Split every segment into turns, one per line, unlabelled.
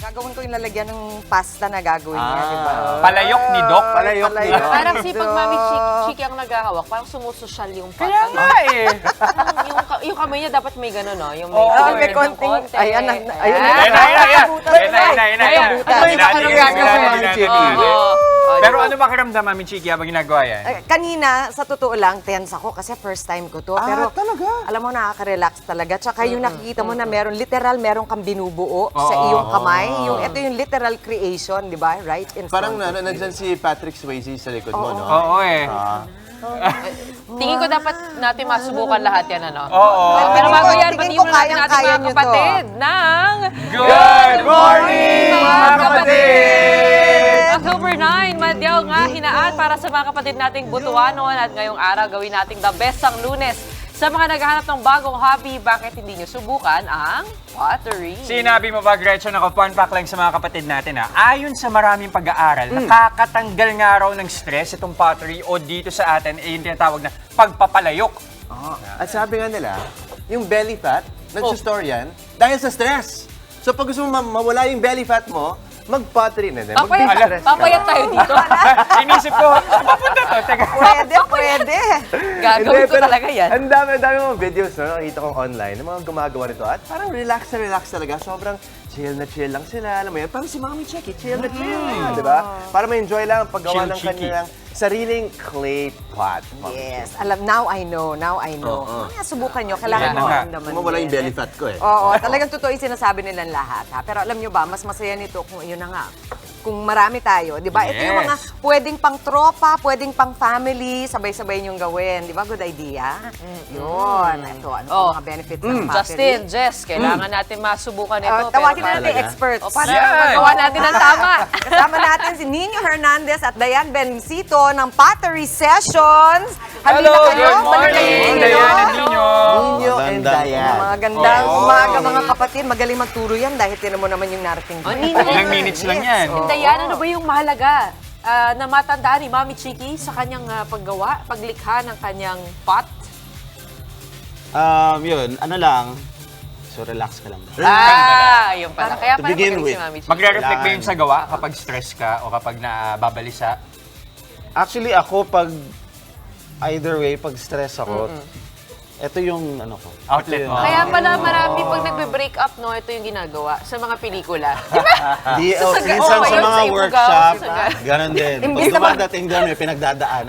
Gagawin ko yung lalagyan ng pasta na gagawin niya, di ba?
Palayok ni Doc.
Palayok ni Doc.
Parang si pag Mami Chiki ang naghahawak, parang sumusosyal yung pata.
Kaya nga eh.
yung kamay niya dapat may gano'n, no? Yung
Oo,
may
spread ng
konting,
konti.
ayan, ayun.
Pero ano makiramdam, Mami Chiki, habang ginagawa yan?
Kanina, sa totoo lang, tense ako kasi first time ko to. Pero
talaga?
alam mo, nakaka-relax talaga. Tsaka yung nakikita mo na meron kang binubuo sa iyong kamay. Ito yung literal creation, di ba? Right in
Parang
front of you.
nandyan si Patrick Swayze sa likod mo, no?
Oo eh.
Tingin ko dapat natin masubukan lahat yan, ano?
Oo.
Pero bago yan,
Tingin
batiin
ko
muna natin ating
kayang-kaya
mga
nyo to.
kapatid ng...
Good morning, mga kapatid!
October 9, madyaw nga hinaan para sa mga kapatid nating Butuanon at ngayong araw gawin nating the best ang Lunes. Sa mga naghahanap ng bagong hobby, bakit hindi nyo subukan ang pottery?
Sinabi mo ba, Gretchen, ako fun fact lang sa mga kapatid natin ha. Ayon sa maraming pag-aaral, nakakatanggal nga raw ng stress itong pottery o dito sa atin ay yung tinatawag na pagpapalayok.
At sabi nga nila, yung belly fat, nag-store yan dahil sa stress. So pag gusto mo mawala yung belly fat mo, mag-pottery na din.
Papayat tayo dito.
Inisip ko, saan papunta to? Teka.
Pwede.
Gagawin ko talaga yan.
Ang dami mga videos na nakita ko online ng mga gumagawa nito at parang relax na relax talaga. Sobrang chill na chill lang sila. Alam mo yan, parang si Mami Chiki, chill na chill. Di ba? Para ma-enjoy lang ang paggawa
Chill
ng
Chiki.
kanilang sariling clay pot.
Yes. Now I know. Kaya subukan nyo. Kailangan
Yan
mo
na nga.
maramdaman
Mawala yung
din.
belly fat ko eh.
Oo, talagang totoo yung sinasabi nilang lahat. Ha? Pero alam nyo ba, mas masaya nito kung yun na nga. Kung marami tayo, di ba? Ito yung mga
Yes.
pwedeng pang tropa, pwedeng pang family, sabay-sabay niyong gawin. Di ba? Good idea. Yun. Ito, ano
Oh.
ang mga benefits ng pottery?
Justin, Jess, kailangan natin masubukan ito.
Tawagin
pero
natin
Talaga?
experts.
para
Yan.
magawa natin ng tama.
Kasama natin si Nino Hernandez at Dayan Bencito ng Pottery Sessions. Halina
Hello,
kayo.
good morning,
Balik kayo.
Dayan and Nino.
Ninyo and Dayan.
Mga gandang umaga mga kapatid. Magaling magturo yan dahil tinan mo naman yung narating.
Nino.
Ilang minutes lang yan.
Oo.
Dayan, ano ba yung mahalaga na matandaan ni Mami Chiki sa kanyang paggawa, paglikha ng kanyang pot?
Yun, ano lang, so relax ka lang.
Yun pala. Kaya
To
pala
begin
magaling
with,
si Mami Chiki.
Magre-reflect ba yun sa gawa kapag stress ka o kapag nababalisa?
Actually, ako pag, either way, pag stress ako, ito yung ano ko.
Outlet mo.
Kaya pala marami pag nagbe-break up, no, ito yung ginagawa sa mga pelikula. Di ba?
Di,
Sasaga-
minsan
oo,
sa
yun,
mga
sa Ibugaw,
workshop,
sasaga-
ganon din. Pag
Imbis na
dumadating doon, may pinagdadaanan.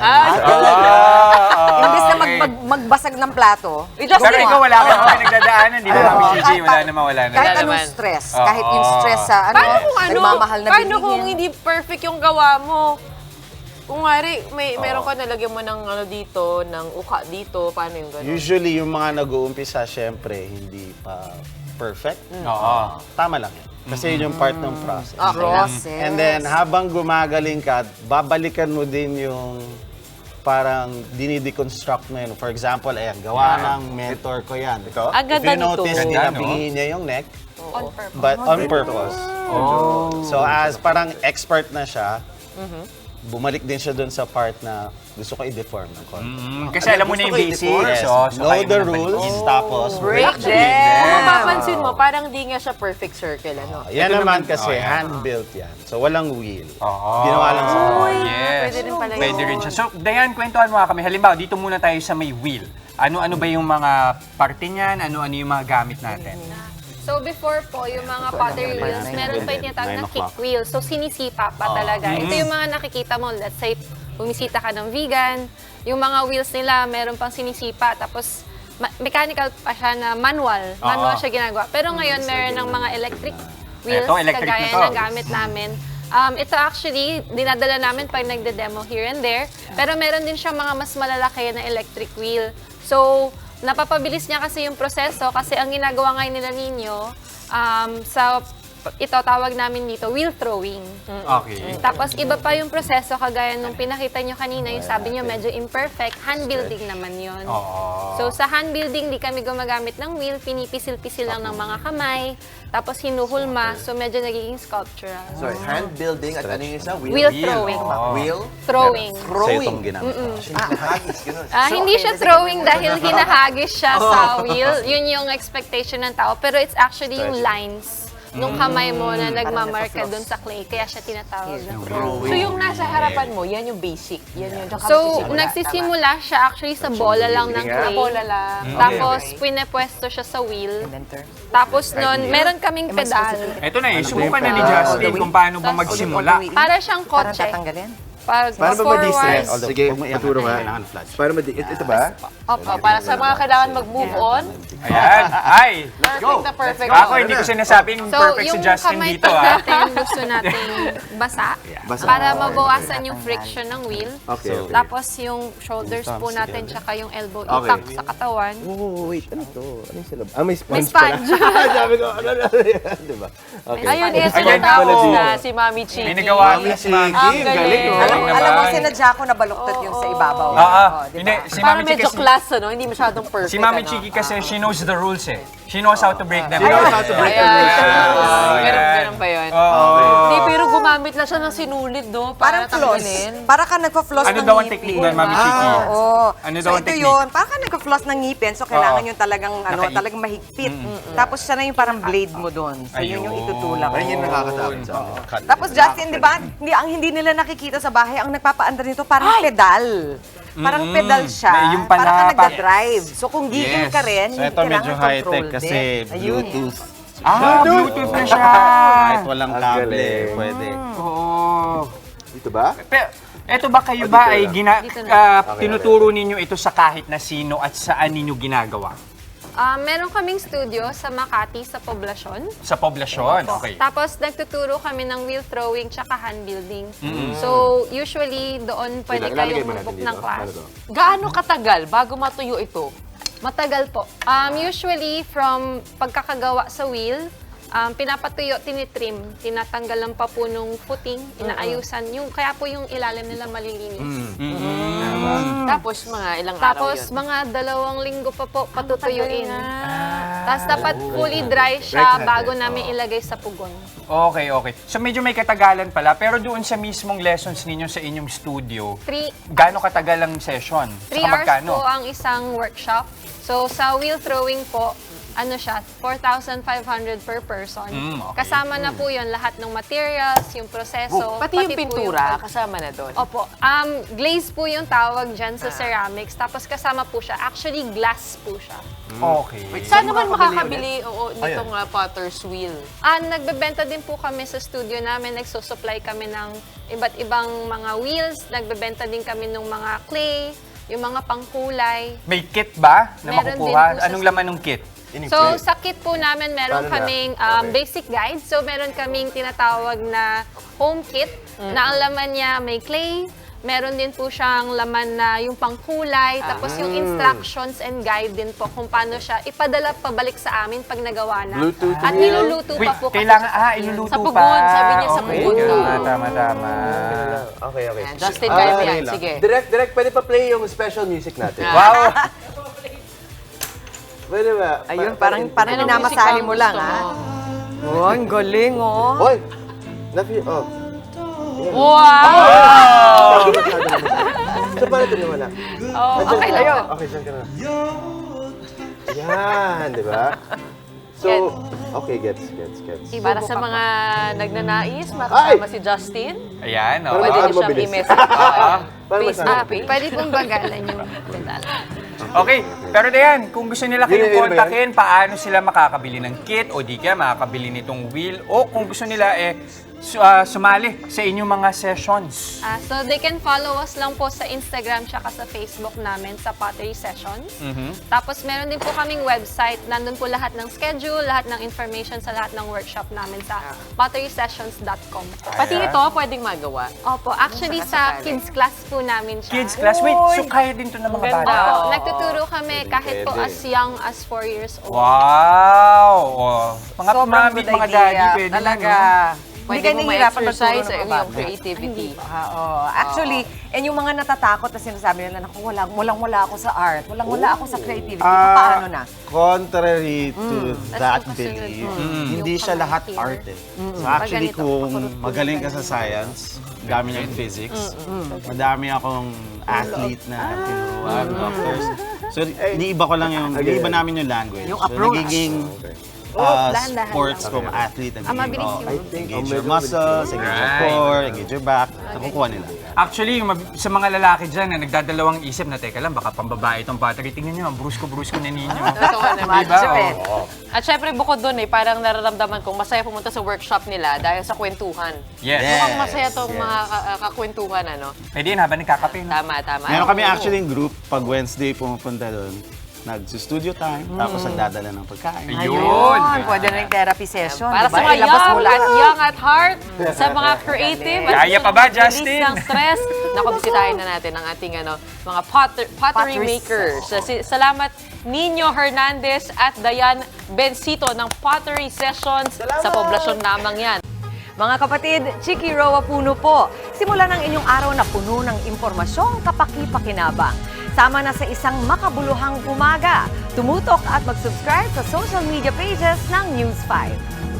Imbis na magbasag ng plato.
Pero ikaw wala ka naman nagdadaanan, di ba, Mami Gigi? Wala naman, wala na.
Kahit
Wala
anong
naman.
stress,
Oo.
kahit yung stress sa
Paano kung ano?
nagmamahal na
Paano kung
bilihin.
hindi perfect yung gawa mo? Kung ngari, meron ka nalagyan mo ng ano dito, ng uka dito, paano yung gano'n?
Usually, yung mga nag-uumpisa, syempre, hindi pa perfect.
Oo.
Tama lang yan. Kasi yun yung part ng process.
Process.
And then, habang gumagaling ka, babalikan mo din yung parang dinideconstruct mo yun. For example, ayan, gawa ng mentor ko yan.
Ikaw?
Ang
If
ganda
you notice,
nito.
Ganda, no?
tinapingin niya yung neck,
On purpose.
but on purpose.
Oh.
So, as parang expert na siya, bumalik din siya dun sa part na gusto ko i-deform ng konti.
Kasi alam mo na yung basics.
Yes,
So
know
kaya mo
the
na
rules,
balikin.
tapos break
Kung
them.
mapapansin mo, parang di nga siya perfect circle, ano?
Yan naman
oh,
kasi
yan.
hand-built yan. So, walang wheel.
Oo.
Ginawa lang sa
Yes.
Pwede rin pala yun.
Pwede rin siya. So, Dayan, kwentuhan mo nga kami. Halimbawa, dito muna tayo sa may wheel. Ano-ano ba yung mga parte niyan? Ano-ano yung mga gamit natin?
So before po, yung mga pottery wheels, meron pa yung tinatawag na kick wheels. So sinisipa pa talaga. Ito yung mga nakikita mo, let's say, bumisita ka ng vegan, yung mga wheels nila, meron pang sinisipa, tapos mechanical pa siya na manual. Manual siya ginagawa. Pero ngayon, meron ng mga electric wheels,
Eto, electric
kagaya
na to.
ng gamit namin. Ito actually, dinadala namin pag nagde-demo here and there. Pero meron din siya mga mas malalaki na electric wheel. So, napapabilis niya kasi yung proseso kasi ang ginagawa ngayon nila ninyo sa ito tawag namin dito wheel throwing.
Okay.
Tapos iba pa yung proseso kagaya nung pinakita nyo kanina, yung sabi nyo medyo imperfect, hand building naman yun.
Oo.
So sa hand building, di kami gumagamit ng wheel, pinipisil-pisil lang ng mga kamay, tapos hinuhulma, so medyo nagiging sculptural.
Sorry, hand building at ano yung isa?
Wheel throwing.
Wheel?
Throwing.
Sa
Throwing.
itong ginamit.
Hagis, ganun.
Hindi siya throwing dahil hinahagis siya sa wheel. Yun yung expectation ng tao. Pero it's actually yung lines nung kamay mo na nagmamarka
nasa-floss.
dun sa clay. Kaya siya tinatawag na flow.
So yung nasa harapan mo, yan yung basic. Yan yung tsaka
So,
magsisimula.
nagsisimula siya actually sa bola lang ng clay.
Bola lang.
Tapos, pinepwesto siya sa wheel.
Inventor.
Tapos nun, meron kaming pedal.
Eto na subukan na ni Justin kung paano ba magsimula.
Para siyang
Parang
kotse.
tatanggalin.
Pag
Paano ba
forward.
ma-distress?
Although,
Sige,
pag may
paturo nga.
kailangan flash.
Paano ito ba?
Opo, para sa mga kailangan mag-move on.
Ayan. Ay!
Perfect na perfect.
Ako, hindi ko sinasabing
So,
perfect si
yung
Justin
kamay
dito,
po
ah.
natin, gusto natin basa.
Basa.
Para mabawasan yung friction ng wheel.
Okay, okay.
Tapos yung shoulders po natin, tsaka yung elbow,
Okay.
itak sa katawan.
Oh, wait, ano to? Ano yung silab? Ah, may
May
sponge pala.
sponge.
Sabi ko, ano yan, diba? Okay.
Ayun, ito
Ayan
na
ako.
na si Mami Chiki.
May nagawa
Mami
si Mami.
Chiki,
Ang
galing,
galing.
oh.
Alam mo,
naman.
sinadya ko na baluktot yung sa ibabaw.
Ah,
Oh, di
hindi.
ba?
Si
Parang
Mami Chiki
medyo class, ano? Hindi masyadong perfect.
Si Mami
ano?
Chiki kasi she knows the rules eh. She knows how to break them.
She knows how to break
Ayan.
them.
Ganun ba yun? Hindi, pero gumamit lang siya ng sinulid, do.
Parang
Para
floss.
tanggalin.
Para ka nagpa-floss
Ano
ng
daw ang
ngipin.
technique doon, Mami Chiki?
Oo.
Ano
So
daw ang
ito
technique?
yun, para ka nagpa-floss ng ngipin, so kailangan
Oo.
yung talagang, talagang mahigpit. Tapos siya na yung parang blade mo doon. So yun yung
Ayun.
itutulak.
Ayun yung nakakatakot sa akin.
Tapos Justin, di ba, hindi nila nakikita sa bahay, ang nagpapaandar nito parang pedal. Parang pedal siya.
May yung pala,
para ka
pa-
nagda-drive. So kung gigil
Yes.
ka rin,
So
hindi
ito medyo
kailangan
high-tech
control
kasi
din. Ayun.
Bluetooth.
Bluetooth na siya.
Kahit walang
Ang
kable,
galing.
pwede.
Oo.
Dito ba?
Pero, eto ba kayo ba ay
Dito
tinuturo ninyo ito sa kahit na sino at saan ninyo ginagawa?
Meron kaming studio sa Makati, sa Poblacion.
Sa poblasyon? Okay.
Tapos nagtuturo kami ng wheel throwing tsaka hand building. So usually doon pwede
Ilalagay
kayong
mo natin
mag-book
dito.
ng class.
Ano to?
Gaano katagal bago matuyo ito?
Matagal po. Usually from pagkakagawa sa wheel, pinapatuyo, tinitrim, tinatanggalan pa po nung footing, inaayusan. Kaya po yung ilalim nila malilinis.
Tapos mga ilang araw
Tapos
yun.
mga 2 linggo pa po patutuyuin.
Ah.
Tapos dapat fully dry siya bago namin ilagay sa pugon.
Okay, okay. So medyo may katagalan pala, pero doon sa mismong lessons ninyo sa inyong studio,
3
gaano katagal ang session? Saka
hours
magkano?
po ang isang workshop. So sa wheel throwing po, ano siya, 4,500 per person.
Okay.
Kasama na po yun lahat ng materials, yung proseso.
Pati yung
po
pintura,
pag-
kasama na doon.
Opo. Glaze po yung tawag dyan sa ceramics. Tapos kasama po siya. Actually, glass po siya.
Okay.
Saan naman makakabili nitong potter's wheel?
Nagbebenta din po kami sa studio namin. Nagsusupply kami ng iba't ibang mga wheels. Nagbebenta din kami ng mga clay, yung mga pangkulay.
May kit ba na
Meron din
makukuha?
po sa
Anong
studio.
laman ng kit?
So, sa kit po namin, meron
Paano na?
kaming
Okay.
basic guide. So, meron kaming tinatawag na home kit na ang laman niya may clay. Meron din po siyang laman na yung pangkulay. Tapos yung instructions and guide din po kung paano siya ipadala pabalik sa amin pag nagawa na.
Bluetooth
At
wheel.
niluluto
Wait,
pa po kasi
kailangan,
siya sa
iluluto
Sa
pa.
pugon, sabi niya sa
Okay.
pugon.
Tama.
Ah.
Okay, okay.
Justin, kaya mo yan.
lang.
Sige.
Direct, pwede pa play yung special music natin.
Wow!
Pwede ba?
Ayun,
Anong
parang minamasahe
music
mo
ba
lang,
gusto
ha?
mo?
Oh, ang galing, oh.
Hoy! Oh.
Wow!
So, paano ito naman lang?
Okay lang po.
Okay, saan ka na? Yan, di ba? So, okay, gets.
Para sa mga nagnanais, makasama
Ay!
si Justin,
Ayan,
Pero
pwede
baka
niyo siyang
mabilis.
i-message sa
Paano
Facebook
masabi?
page.
Pwede pong bagalan yung pedal.
Okay, pero Dayan, kung gusto nila kayong
Yun ba yan?
kontakin, paano sila makakabili ng kit o di kaya makakabili nitong wheel o kung gusto nila sumali sa inyong mga sessions.
So they can follow us lang po sa Instagram tsaka sa Facebook namin sa Pottery Sessions. Tapos meron din po kaming website. Nandun po lahat ng schedule, lahat ng information sa lahat ng workshop namin sa potterysessions.com.
Pati ito, pwedeng magawa.
Opo, actually sa kids class po namin siya.
Kids class, wait, so kaya din to ng mga
Ganda.
bata?
Opo,
Oo.
nagtuturo kami kahit po as young as 4 years old.
Wow! Oh. Mga
Sobrang
mami,
good
mga
idea.
daddy, pwede
Talaga.
na, no?
Hindi
Pwede
ka
mo
nahihirapan
ma-exercise
magturo ng
ang
mga
iyong
bata.
creativity.
Actually, and yung mga natatakot na sinasabi nila, naku, wala ako sa art, wala ako sa creativity. Paano na?
Contrary to that
yung kasunod
belief,
mo.
hindi
Yung
siya lahat
here.
art eh. So actually,
Ganito,
kung
pakurot-kurot
magaling ka
ganito.
sa science, dami niya in physics, madami akong athlete na tinuruan, doctors. So, iniiba ko lang yung, iniiba namin yung language.
Yung
So,
approach.
nagiging
dahan-dahan
sports
lang.
kung athlete.
mabilis yun.
I think,
Engage your
medyo
muscles, engage your
Right.
core, engage your back. Nakukuha nila.
Actually, sa mga lalaki dyan na nagdadalawang isip na, teka lang, baka pambabae itong pottery. Tingnan nyo, ang brusko-brusko na ninyo.
Totoo naman.
Diba?
Medyo eh.
Oo.
At syempre, bukod doon parang nararamdaman kong masaya pumunta sa workshop nila dahil sa kwentuhan.
Yes.
Mukhang masaya tong mga kakwentuhan, ano?
Pwede yun habang nagkakape. No?
Tama.
Meron kami
Oo.
actually yung group, pag Wednesday pumupunta doon, nag-studio time, tapos nagdadala ng pagkain.
Ayun.
Pwede na yung therapy session.
Para
diba?
sa mga
Ilabas mo lahat.
young at heart, sa mga creative, at
Kaya
gusto
pa ba,
mag-release
Justin?
ng stress, nakabisitahin na natin ang ating mga pottery
Potteries.
makers. Salamat Nino Hernandez at Dayan Bencito ng Pottery Sessions sa poblasyon lamang yan.
Mga kapatid, Chiki Roa Puno po. Simulan ang inyong araw na puno ng impormasyong kapaki-pakinabang. Sama na sa isang makabuluhang umaga. Tumutok at mag-subscribe sa social media pages ng News 5.